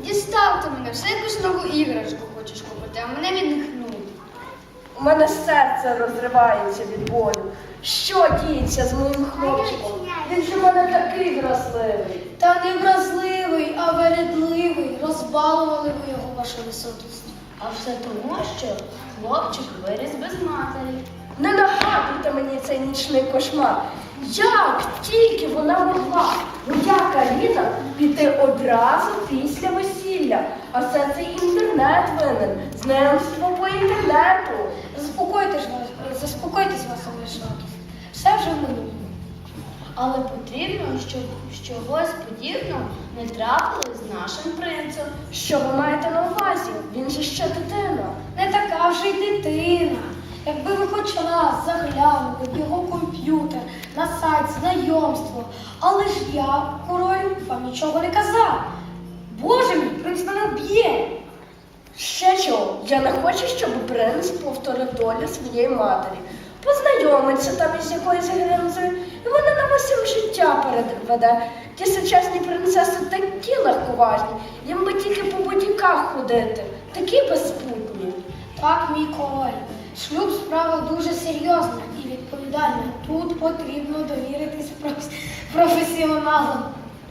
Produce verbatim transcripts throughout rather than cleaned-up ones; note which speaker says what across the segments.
Speaker 1: Дістав ти мене, все якусь нову іграшку хочеш купити, а мене від них нудить.
Speaker 2: У мене серце розривається від болю. Що діється з моїм хлопчиком? Він же в мене такий вразливий.
Speaker 1: Та не вразливий, а вередливий. Розбалували ви його, ваша високість.
Speaker 3: А все тому, що хлопчик виріс без матері.
Speaker 2: Не нагадуйте мені цей нічний кошмар. Як тільки вона могла, моя Каріна, піти одразу після весілля. А все цей інтернет винен, знайомство по інтернету.
Speaker 1: Заспокойтесь, вас- заспокойтесь, ваша високість. Все вже в минулому.
Speaker 3: Але потрібно, щоб чогось подібного не трапилось з нашим принцем.
Speaker 2: Що ви маєте на увазі? Він же ще дитина.
Speaker 1: Не така вже й дитина. Якби ви хоч раз заглянули в його комп'ютер, на сайт знайомства. Але ж я, королю, вам нічого не казав. Боже мій, принц мене вб'є.
Speaker 2: Ще чого? Я не хочу, щоб принц повторив долю своєї матері. Познайомиться там із якоюсь гримзою, і вона на усім життя переведе. Ті сучасні принцеси такі легковажні, їм би тільки по будіках ходити, такі безпутні.
Speaker 1: Так, мій король. Шлюб справа дуже серйозна і відповідальна. Тут потрібно довіритись проф- професіоналам.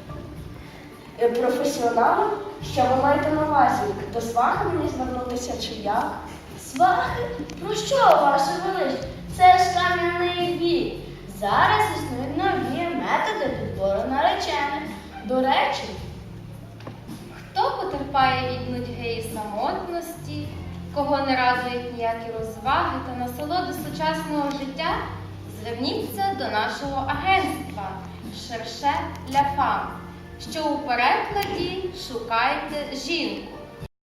Speaker 2: Е, Професіоналам? Що ви маєте на увазі? До свахи мені звернутися чи як?
Speaker 3: Свахи? Про що, ваше велич? Це ж кам'яний вік. Зараз існують нові методи підбору наречених. До речі,
Speaker 4: Хто потерпає від нудьги і самотності, кого не радують ніякі розваги та насолоди сучасного життя, зверніться до нашого агентства «Шерше ля фам», що у перекладі «Шукайте жінку».